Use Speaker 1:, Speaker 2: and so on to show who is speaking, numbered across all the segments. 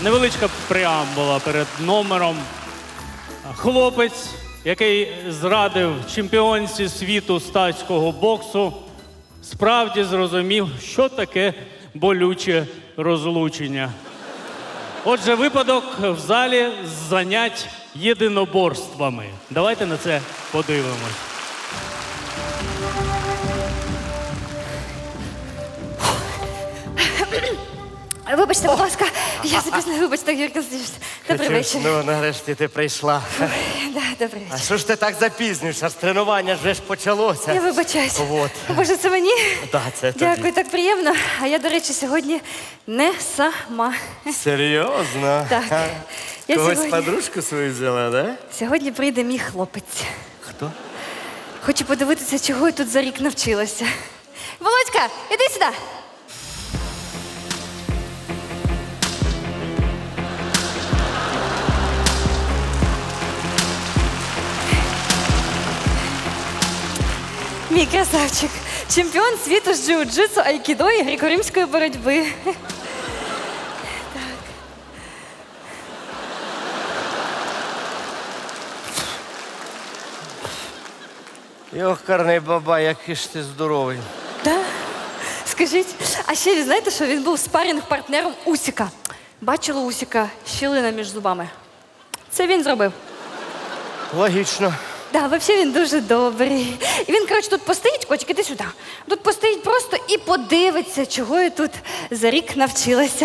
Speaker 1: невеличка преамбула перед номером. Хлопець, який зрадив чемпіонці світу з тайського боксу, справді зрозумів, що таке болюче розлучення. Отже, випадок в залі з занять єдиноборствами. Давайте на це подивимось.
Speaker 2: Вибачте, будь ласка, я запізнила, вибачте, Юрка Сергійович. Добрий вечір.
Speaker 3: Ну, нарешті ти прийшла.
Speaker 2: Да, добрий
Speaker 3: А
Speaker 2: вечір.
Speaker 3: що ж ти так запізнюєшся? З тренування вже ж почалося.
Speaker 2: Я вибачаюсь.
Speaker 3: От.
Speaker 2: Боже, це мені?
Speaker 3: Так, це тобі.
Speaker 2: Дякую, так приємно. А я, до речі, сьогодні не сама.
Speaker 3: Серйозно?
Speaker 2: Так.
Speaker 3: А?
Speaker 2: Я
Speaker 3: Когось
Speaker 2: сьогодні-
Speaker 3: подружку свою взяла, да?
Speaker 2: Сьогодні прийде мій хлопець.
Speaker 3: Хто?
Speaker 2: Хочу подивитися, чого я тут за рік навчилася. Володька, іди сюди. Мій красавчик. Чемпіон світу з джиу-джитсу, айкідо і греко-римської боротьби.
Speaker 3: Йохарний баба, який ж ти здоровий.
Speaker 2: Да? Скажіть, а ще ви знаєте, що він був спарринг-партнером Усіка? Бачила Усіка щілина між зубами. Це він зробив.
Speaker 3: Логічно.
Speaker 2: Да, взагалі він дуже добрий. І він, коротше, тут постоїть, котик, іди сюди. Тут постоїть просто і подивиться, чого я тут за рік навчилася.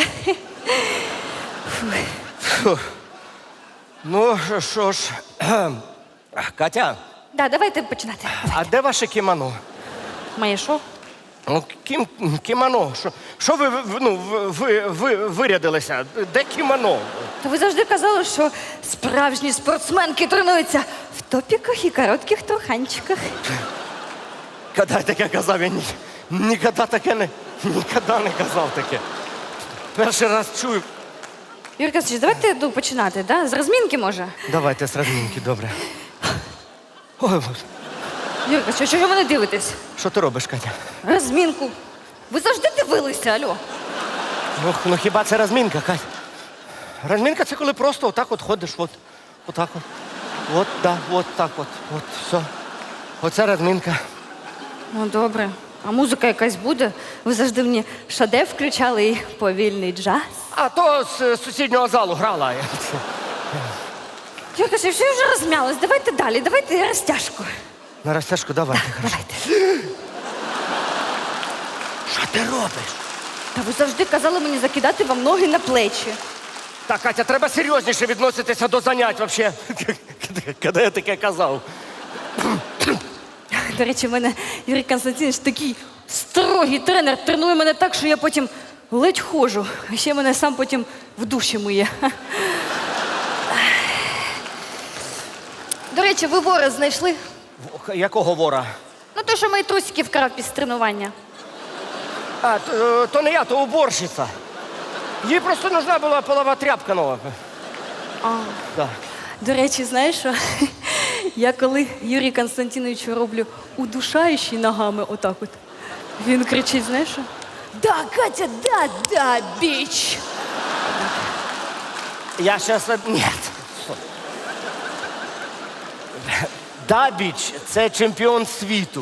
Speaker 3: Ну, що ж. Катя,
Speaker 2: Да, давайте починати.
Speaker 3: а де ваше кімоно?
Speaker 2: Моє шоу?
Speaker 3: Ну, кімоно. Що ви вирядилися? Де кімоно?
Speaker 2: Та ви завжди казали, що справжні спортсменки тренуються в топіках і коротких труханчиках.
Speaker 3: Коли я таке казав, я ніколи не казав таке. Перший раз чую.
Speaker 2: Юрка, давайте починати, да? З розмінки, може?
Speaker 3: Давайте з розмінки, добре. Ой, Боже.
Speaker 2: Юрка, що ви мене дивитесь?
Speaker 3: Що ти робиш, Катя?
Speaker 2: Розмінку. Ви завжди дивилися, алло.
Speaker 3: Ну хіба це розмінка, Катя? Розмінка це коли просто отак от ходиш, отак от. От, да, от так от. От, все. Оце розмінка.
Speaker 2: Ну, добре. А музика якась буде? Ви завжди мені шаде включали і повільний джаз.
Speaker 3: А то з сусіднього залу грала.
Speaker 2: Юрка, що я вже розм'ялась. Давайте далі, давайте розтяжку.
Speaker 3: На розтяжку давайте.
Speaker 2: Давайте.
Speaker 3: Що ти робиш?
Speaker 2: Та ви завжди казали мені закидати вам ноги на плечі.
Speaker 3: Так, Катя, треба серйозніше відноситися до занять взагалі. Коли я таке казав?
Speaker 2: До речі, в мене Юрій Константинович такий строгий тренер, тренує мене так, що я потім ледь ходжу. А ще мене сам потім в душі миє. До речі, ви вора знайшли?
Speaker 3: Якого вора?
Speaker 2: Ну, той, що мої трусики вкрав після тренування.
Speaker 3: А, то не я, то уборщиця. Їй просто нужна була полова тряпка нова. Да.
Speaker 2: До речі, знаєш що? Я коли Юрію Константиновичу роблю удушаючий ногами отак от, він кричить, знаєш що? Да, Катя, да, біч.
Speaker 3: Я сейчас... Нет. Дабіч – це чемпіон світу.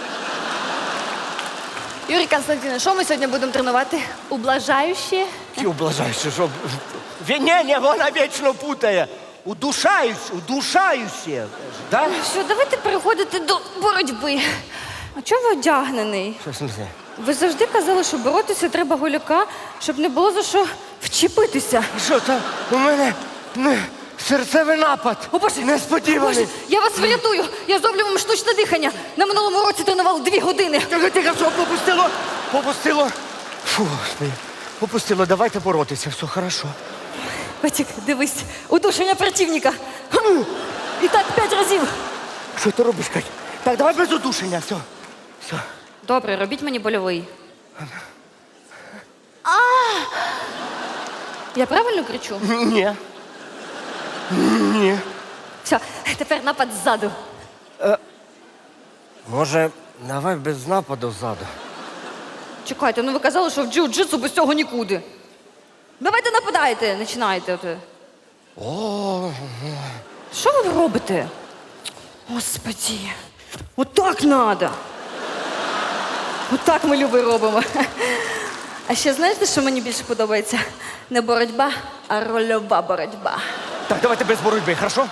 Speaker 2: Юрій Константинович, що ми сьогодні будемо тренувати? Ублажаючі?
Speaker 3: Ті облажаючи, що... Ні, вона вічно путає. Удушаюче. Да?
Speaker 2: Все, давайте переходити до боротьби. А чого ви одягнений?
Speaker 3: Що в смысле?
Speaker 2: Ви завжди казали, що боротися треба голяка, щоб не було за що вчепитися.
Speaker 3: Що там? У мене серцевий напад.
Speaker 2: О, Боже!
Speaker 3: Несподіваний.
Speaker 2: Боже, я вас врятую! Я зроблю вам штучне дихання. На минулому році тренували 2 години.
Speaker 3: Тихо, що попустило? Попустило. Фу, Господи. Попустило, давайте боротися, все хорошо.
Speaker 2: Котик, дивись, удушення противника. Хм. І так 5 разів.
Speaker 3: Що ти робиш, Кать? Так, давай без удушення, все.
Speaker 2: Добре, робіть мені больовий. Я правильно кричу?
Speaker 3: Ні. Ні.
Speaker 2: Все, тепер напад ззаду.
Speaker 3: Може, давай без нападу ззаду.
Speaker 2: Чекайте, ну ви казали, що в джиу-джитсу без цього нікуди. Давайте нападати. сідайте, починайте.
Speaker 3: О,
Speaker 2: Що ви робите? Господи, отак надо. Отак ми Люби робимо. А ще знаєте, що мені більше подобається? Не боротьба, а рольова боротьба.
Speaker 3: так, давайте без боротьби, хорошо?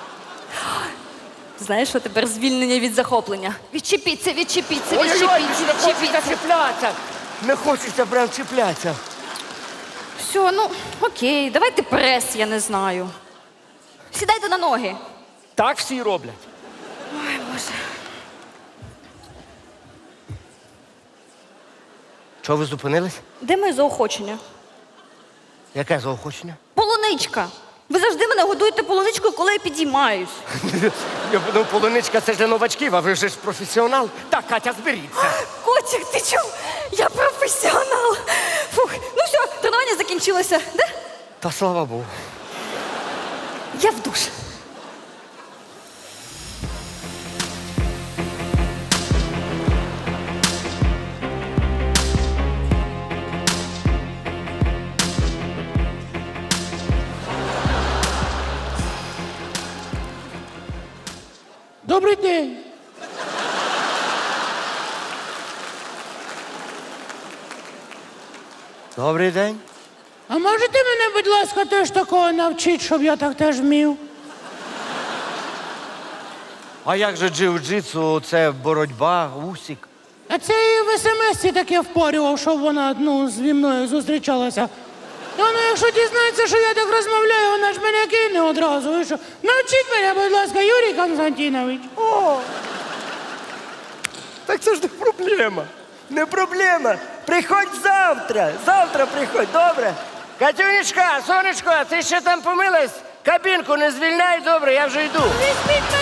Speaker 2: Знаєш, що тепер звільнення від захоплення? Відчепіться, відчепіться,
Speaker 3: Ой-ой-ой,
Speaker 2: відчепіться,
Speaker 3: не хочеться
Speaker 2: відчепіться.
Speaker 3: чіплятися. Не хочеться прям чіплятися.
Speaker 2: Все, ну окей, давайте прес, я не знаю. Сідайте на ноги.
Speaker 3: Так всі роблять.
Speaker 2: Ой, Боже.
Speaker 3: Чого ви зупинились?
Speaker 2: Де моє заохочення?
Speaker 3: Яке заохочення?
Speaker 2: Полуничка. Ви завжди мене годуєте полуничкою, коли я підіймаюсь.
Speaker 3: Ну, полуничка це ж для новачків, а ви ж професіонал. Так, Катя, зберіться.
Speaker 2: Котик, ти чув? Я професіонал. Фух, ну все, тренування закінчилося. Да?
Speaker 3: Та слава Богу.
Speaker 2: Я в душ.
Speaker 4: Добрий день.
Speaker 3: Добрий день.
Speaker 4: А можете мене, будь ласка, теж такого навчити, щоб я так теж вмів?
Speaker 3: А як же джиу-джитсу, це боротьба, усік?
Speaker 4: А це і в смс-ці таке впарював, щоб вона зі мною зустрічалася. І вона, якщо дізнається, що я так розмовляю, вона ж мене кине одразу. Ви що? Навчіть мене, будь ласка, Юрій Константинович.
Speaker 3: О! Так це ж не проблема. Не проблема. Приходь завтра. Завтра приходь, добре? Катюнечка, сонечко, ти ще там помилась? Кабінку не звільняй, добре, я вже йду.
Speaker 4: Візьміть мене